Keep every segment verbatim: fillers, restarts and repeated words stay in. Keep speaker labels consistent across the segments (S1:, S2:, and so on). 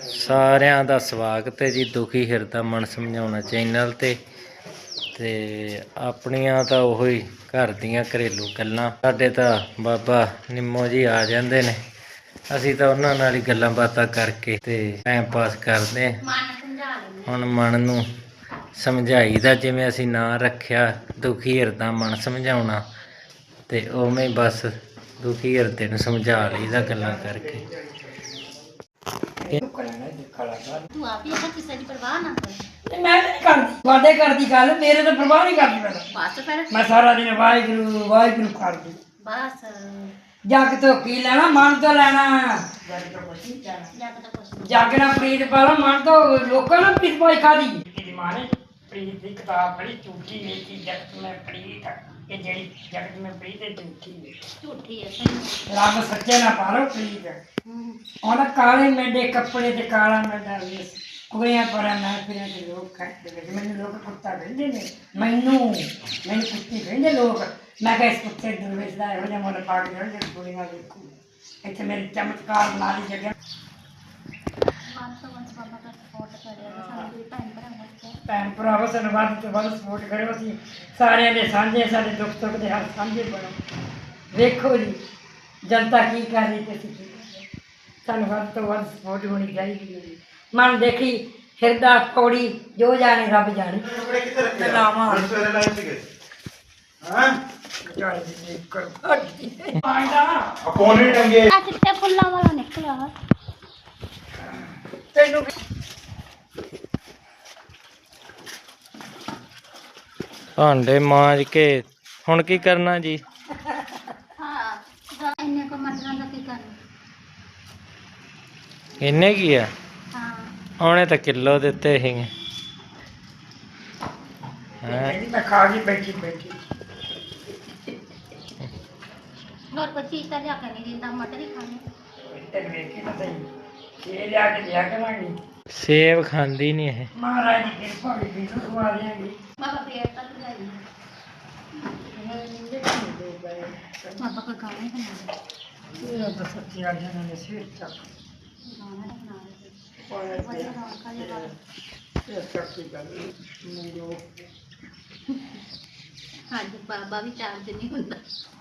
S1: ਸਾਰਿਆਂ ਦਾ ਸਵਾਗਤ ਹੈ ਜੀ ਦੁਖੀ ਹਿਰਦਾ ਮਨ ਸਮਝਾਉਣਾ ਚੈਨਲ ਤੇ ਤੇ ਆਪਣੀਆਂ ਤਾਂ ਉਹੋ ਹੀ ਘਰ ਦੀਆਂ ਘਰੇਲੂ ਗੱਲਾਂ। ਸਾਡੇ ਤਾਂ ਬਾਬਾ ਨਿੰਮੋ ਜੀ ਆ ਜਾਂਦੇ ਨੇ, ਅਸੀਂ ਤਾਂ ਉਹਨਾਂ ਨਾਲ ਹੀ ਗੱਲਾਂ ਬਾਤਾਂ ਕਰਕੇ ਤੇ ਟਾਈਮ ਪਾਸ ਕਰਦੇ। ਹੁਣ ਮਨ ਨੂੰ ਸਮਝਾਈਦਾ, ਜਿਵੇਂ ਅਸੀਂ ਨਾਂ ਰੱਖਿਆ ਦੁਖੀ ਹਿਰਦਾ ਮਨ ਸਮਝਾਉਣਾ, ਤੇ ਉਵੇਂ ਬਸ ਦੁਖੀ ਹਿਰਦੇ ਨੂੰ ਸਮਝਾ ਲਈਦਾ ਗੱਲਾਂ ਕਰਕੇ।
S2: ਤੂੰ ਆਪ ਹੀ ਕਿਸੇ ਦੀ ਪਰਵਾਹ ਨਾ ਕਰ।
S3: ਮੈਂ ਨਹੀਂ ਕਰਦੀ, ਵਾਦੇ ਕਰਦੀ ਗੱਲ, ਮੇਰੇ ਤਾਂ ਪਰਵਾਹ ਨਹੀਂ ਕਰਦੀ। ਮੈਂ
S2: ਬਸ ਫਿਰ
S3: ਮੈਂ ਸਾਰਾ ਦਿਨ ਵਾਹਿਗੁਰੂ ਵਾਹਿਗੁਰੂ ਕਰਦੀ।
S2: ਬਸ
S3: ਜੱਗ ਤੋਂ ਕੀ ਲੈਣਾ, ਮਨ ਤੋਂ ਲੈਣਾ।
S2: ਜੱਗ ਤਾਂ ਕੁਛ
S3: ਜੱਗ ਨਾਲ ਪ੍ਰੀਤ ਪਾਲਾ, ਮਨ ਤੋਂ ਲੋਕਾਂ ਨਾਲ ਪ੍ਰੀਤ ਪਾਈ ਖਾਦੀ। ਮੇਰੀ ਮਾਂ ਨੇ ਪ੍ਰੀਤ ਦੀ ਕਿਤਾਬ ਪੜ੍ਹੀ, ਝੂਠੀ ਨੀਤੀ ਜਗਤ ਮੈਂ ਪ੍ਰੀਤ, ਕਿ ਜਿਹੜੀ ਜਗਤ ਮੈਂ ਪ੍ਰੀਤ ਹੈ ਝੂਠੀ ਹੈ।
S2: ਝੂਠੀ ਹੈ
S3: ਰੱਬ ਸੱਚੇ ਨਾ ਪਾਲੋ ਪ੍ਰੀਤ। ਉਹਦਾ ਕਾਲੇ ਮੈਂਡੇ ਕੱਪੜੇ ਤੇ ਕਾਲਾ ਮੈਂਡਾ ਵੇਸ, ਕੁੜੀਆਂ ਪਰ ਮੈਂ ਫਿਰਾਂ ਤੇ ਲੋਕ ਖੜਦੇ। ਮੈਨੂੰ ਲੋਕ ਕੁੱਤਾ ਕਹਿੰਦੇ ਨੇ, ਮੈਨੂੰ ਮੈਨੂੰ ਕੁੱਤੀ ਕਹਿੰਦੇ ਲੋਕ। ਮੈਂ ਕਿਹਾ ਇਸ ਕੁੱਤੇ ਦਰਵੇਸ਼ ਦਾ ਇਹੋ ਜਿਹਾ ਮੁੱਲ ਪਾ ਕੇ ਜਾਣ ਜਿਹੜੀ ਕੁੜੀਆਂ ਵੇਖੂ। ਇੱਥੇ ਮੇਰੀ ਚਮਤਕਾਰ ਬਣਾ ਲਈ ਜਗ੍ਹਾ। ਭੈਣ ਭਰਾਵੋ ਸਾਨੂੰ ਵੱਧ ਤੋਂ ਵੱਧ ਸਪੋਰਟ ਕਰਿਓ। ਅਸੀਂ ਸਾਰਿਆਂ ਦੇ ਸਾਂਝੇ, ਸਾਡੇ ਦੁੱਖ ਸੁੱਖ ਦੇ ਹਰ ਸਾਂਝੇ ਬਣੋ। ਵੇਖੋ ਜੀ ਜਨਤਾ ਕੀ ਕਰ ਰਹੀ ਤੇ ਅਸੀਂ ਕੀ ਕਰ ਰਹੇ। ਸਾਨੂੰ ਵੱਧ ਤੋਂ ਵੱਧ ਸਪੋਰਟ ਹੋਣੀ ਚਾਹੀਦੀ ਹੈ ਜੀ। ਮਨ ਦੇਖੀ ਹਿਰਦਾ ਪੌੜੀ, ਜੋ ਜਾਣੇ ਰੱਬ ਜਾਣੇ। ਲਾਵਾਂ
S2: ਚਿੱਟੇ ਫੁੱਲਾਂ ਵਾਲਾ ਨਿਕਲਿਆ
S3: ਤੈਨੂੰ
S1: ਭਾਂਡੇ ਮਾਂਜ ਕੇ ਹੁਣ ਕੀ ਕਰਨਾ ਜੀ?
S2: ਹਾਂ ਇੰਨੇ ਕੋ ਮਟਰਾਂ ਦਾ ਕੀ ਕਰਨਾ।
S1: ਇੰਨੇ ਕੀ ਆ?
S2: ਹਾਂ
S1: ਉਹਨੇ ਤਾਂ ਕਿਲੋ ਦਿੱਤੇ ਸੀਗੇ।
S3: ਮੈਂ ਖਾ ਕੇ ਬੈਠੀ ਬੈਠੀ
S2: ਹੋਰ ਕੋਈ ਚੀਜ਼ ਤਾਂ ਲਿਆ ਕੇ ਨਹੀਂ ਦਿੰਦਾ, ਮਟਰ ਹੀ ਖਾਣੇ।
S3: ਤੈਨੂੰ ਵੇਖੀ ਤਾਂ ਸਹੀ, ਇਹ ਲਿਆ ਕੇ ਦਿਆ ਕਰਾਂਗੇ।
S1: ਸੇਬ ਖਾਂਦੀ ਨਹੀਂ ਇਹ।
S3: ਮਹਾਰਾਜ ਦੀ ਕਿਰਪਾ ਵੀ ਵੀ ਖਵਾ ਦਿਆਂਗੇ।
S2: ਬਾਬਾ ਫੇਰ ਤਾਂ ਲਾਈ ਬਾਬਾ ਕੋ ਗਾਣੇ ਬਣਾ ਦੇ।
S3: ਇਹ ਤਾਂ ਸੱਚੀ ਆ ਜਾਣਾ ਨੇ ਸਿਰ ਚੱਕ
S2: ਗਾਣਾ ਬਣਾ ਦੇ।
S3: ਪਾਇਆ
S2: ਵਧੀਆ ਰੌਣਕਾਂ ਜਿਹਾ ਲੱਗ।
S3: ਇਹ ਸੱਚੀ ਗੱਲ ਮੈਨੂੰ
S2: ਅੱਜ ਬਾਬਾ ਵੀ ਚਾਰਜ ਨਹੀਂ ਹੁੰਦਾ।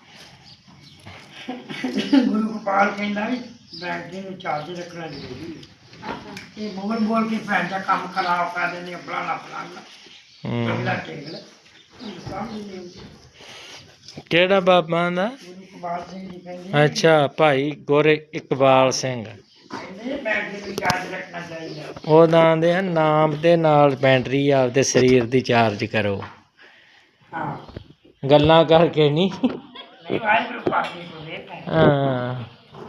S3: ਗੁਰੂ ਗੋਪਾਲ ਕਹਿੰਦਾ ਵੀ ਬੈਟਰੀ ਨੂੰ ਚਾਰਜ ਰੱਖਣਾ ਜ਼ਰੂਰੀ ਹੈ। ਇਹ ਬੋਲ ਬੋਲ ਕੇ ਭੈਣ ਦਾ ਕੰਮ ਖਰਾਬ ਕਰ ਦਿੰਦੇ, ਫਲਾਣਾ ਫਲਾਣਾ ਅਗਲਾ ਟੇਗਲ ਸਮਝ ਨਹੀਂ ਆਉਂਦੀ।
S1: ਕਿਹੜਾ ਬਾਬਾ ਦਾ?
S3: ਗੁਰੂ ਗੋਪਾਲ ਸਿੰਘ ਜੀ ਕਹਿੰਦੇ
S1: ਅੱਛਾ, ਭਾਈ ਗੋਰੇ ਇਕਬਾਲ ਸਿੰਘ।
S3: ਕਹਿੰਦੇ ਬੈਟਰੀ ਨੂੰ ਚਾਰਜ ਰੱਖਣਾ ਚਾਹੀਦਾ।
S1: ਉਹ ਦਾਂਦੇ ਆ ਨਾਮ ਦੇ ਨਾਲ ਬੈਟਰੀ ਆਪਦੇ ਸਰੀਰ ਦੀ ਚਾਰਜ ਕਰੋ,
S3: ਹਾਂ
S1: ਗੱਲਾਂ ਕਰਕੇ ਨਹੀਂ।
S3: ਨਹੀਂ ਵਾਹਿਗੁਰੂ ਪਾਕੀ ਕੋ ਦੇ ਪੈ
S1: ਹਾਂ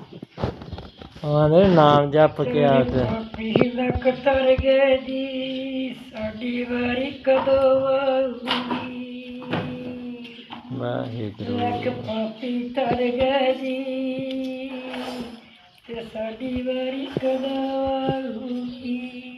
S1: ਉਹਦੇ ਨਾਮ ਜਪ ਕੇ ਆਪਦੇ।
S3: ਪੀਲਾ ਕਤਰ ਗਏ ਜੀ, ਸਾਡੀ ਵਾਰੀ ਕਦੋਂ ਆਊਗੀ।
S1: ਵਾਹਿਗੁਰੂ
S3: ਲੱਕ ਪਾਪੀ ਤਰ ਗਏ ਜੀ, ਤੇ ਸਾਡੀ ਵਾਰੀ ਕਦੋਂ ਆਊਗੀ।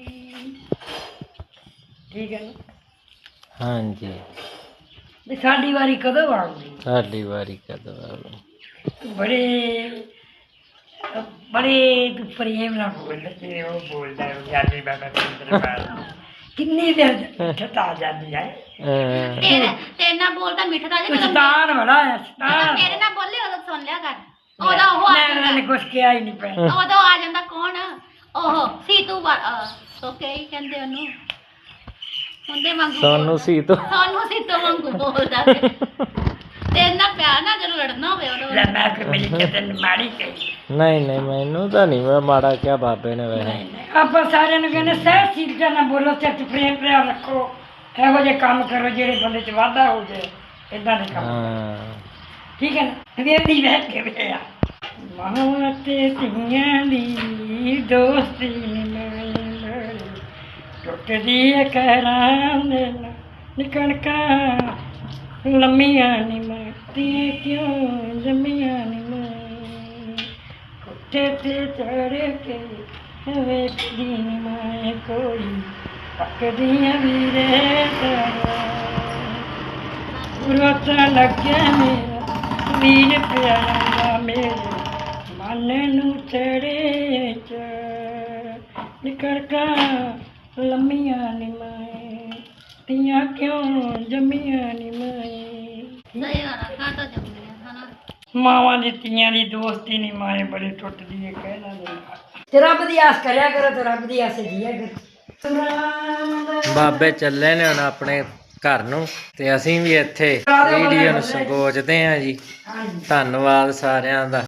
S3: ਠੀਕ ਹੈ ਨਾ?
S1: ਹਾਂਜੀ,
S3: ਵੀ ਸਾਡੀ ਵਾਰੀ ਕਦੋਂ ਆਊਗੀ।
S1: ਸਾਡੀ ਵਾਰੀ ਕਦੋਂ ਆਊ।
S3: ਬੜੇ ਬੜੇ ਤੂੰ ਪ੍ਰੇਮ ਨਾਲ ਬੋਲਦਾ ਤੇ ਉਹ ਬੋਲਦਾ ਹੈ ਗਿਆਨੀ ਬਾਬਾ ਸਿੰਦਰਪਾਲ। ਕਿੰਨੀ ਦੇਰ ਠਤਾ ਜਾਂਦੀ ਹੈ।
S1: ਅਹ
S2: ਤੇਰੇ ਤੇਰੇ ਨਾਲ ਬੋਲਦਾ ਮਿੱਠਾ ਦਾ
S3: ਤੂੰ ਸ਼ਤਾਨ ਬੜਾ ਹੈ, ਸ਼ਤਾਨ।
S2: ਤੇਰੇ ਨਾਲ ਬੋਲੇ ਉਦੋਂ ਸੁਣ ਲਿਆ ਕਰ। ਉਦੋਂ ਉਹ ਆ
S3: ਮੈਂ ਉਹਨਾਂ ਨੇ
S2: ਜਾਂਦਾ,
S3: ਕੁਛ ਕਿਹਾ ਹੀ ਨਹੀਂ ਪਿਆ।
S2: ਉਦੋਂ ਆ ਜਾਂਦਾ ਕੌਣ ਉਹ ਸੀਤੂ ਸੋ ਕੇ ਹੀ ਕਹਿੰਦੇ ਉਹਨੂੰ, ਹੁੰਦੇ ਵਾਂਗੂ
S1: ਸਾਨੂੰ ਸੀ ਤੋਂ
S2: ਸਾਨੂੰ ਸੀਤੂ ਵਾਂਗੂ ਬੋਲਦਾ। ਤੇਰੇ ਨਾਲ ਪਿਆਰ ਨਾਲ ਜਦੋਂ ਲੜਨਾ ਹੋਵੇ ਉਦੋਂ
S3: ਲੈ ਮੈਂ ਕਿ ਮੇਰੀ ਕਿਤੇ ਮਾੜੀ ਕਹੀ।
S1: ਨਹੀਂ ਨਹੀਂ, ਮੈਨੂੰ ਤਾਂ ਨਹੀਂ ਮੈਂ ਮਾੜਾ ਕਿਹਾ ਬਾਬੇ ਨੇ। ਵੈਸੇ
S3: ਆਪਾਂ ਸਾਰਿਆਂ ਨੂੰ ਕਹਿੰਦੇ ਸਹਿਜਸ਼ੀਲਤਾ ਨਾਲ ਬੋਲੋ, ਸਿਰ 'ਚ ਪ੍ਰੇਮ ਪਿਆਰ ਰੱਖੋ, ਇਹੋ ਜਿਹੇ ਕੰਮ ਕਰੋ ਜਿਹੜੇ ਬੰਦੇ 'ਚ ਵਾਧਾ ਹੋ ਜਾਏ। ਏਦਾਂ ਦੇ ਕੰਮ
S1: ਹਾਂ
S3: ਠੀਕ ਹੈ ਨਾ। ਵੇਦੀ ਬੈਠ ਕੇ ਵੇਆ ਮਾਂ ਤੇ ਧੀਆਂ ਦੀ ਦੋਸਤੀ ਨਿਮਲ ਟੁੱਟਦੀ ਹੈ ਕਹਿਰਾਂ ਦੇ ਨਿਕਣਕਾਂ ਲੰਮੀਆਂ ਨੀ ਮਾਰਦੀਆਂ ਕਿਉਂ ਜੰਮੀਆਂ ਨੀ ਮੈਂ ਕੋਠੇ ਤੇ ਚੜ੍ਹ ਕੇ ਵੇਖਦੀ ਨੀ ਮੈਂ ਕੋਈ ਪੱਕਦੀਆਂ ਵੀਰੇ ਰੋਤਾ ਲੱਗਿਆ ਮੇਰਾ ਵੀਰ ਪਿਆਰਾ ਮੇਰੇ ਮਨ ਨੂੰ ਚੜੇ ਚ ਨਿਕੜਕਾ ਲੰਮੀਆਂ ਨੀ ਮਾਏ ਤੀਆਂ ਕਿਉਂ ਜੰਮੀਆਂ ਨੀ ਮਾਏ
S2: ਸਹੀ ਵਾਲਾ ਕਾ ਤਾਂ ਜੰਮੀਆਂ ਹਨਾ
S3: ਮਾਵਾਂ ਦੀ ਧੀਆਂ ਦੀ ਦੋਸਤੀ ਨੀ ਮਾਏ ਬੜੀ ਟੁੱਟਦੀ ਏ ਕਹਿਣਾ ਨਹੀਂ ਤੇ ਰੱਬ ਦੀ ਆਸ ਕਰਿਆ ਕਰੋ ਤੇ ਰੱਬ ਦੀ ਆਸ ਜੀਆ ਕਰੋ
S1: ਬਾਬੇ ਚੱਲੇ ਨੇ ਹੁਣ ਆਪਣੇ ਘਰ ਨੂੰ ਤੇ ਅਸੀਂ ਵੀ ਇੱਥੇ ਵੀਡੀਓ ਨੂੰ ਸੰਕੋਚਦੇ ਹਾਂ ਜੀ।
S3: ਹਾਂਜੀ
S1: ਧੰਨਵਾਦ ਸਾਰਿਆਂ ਦਾ।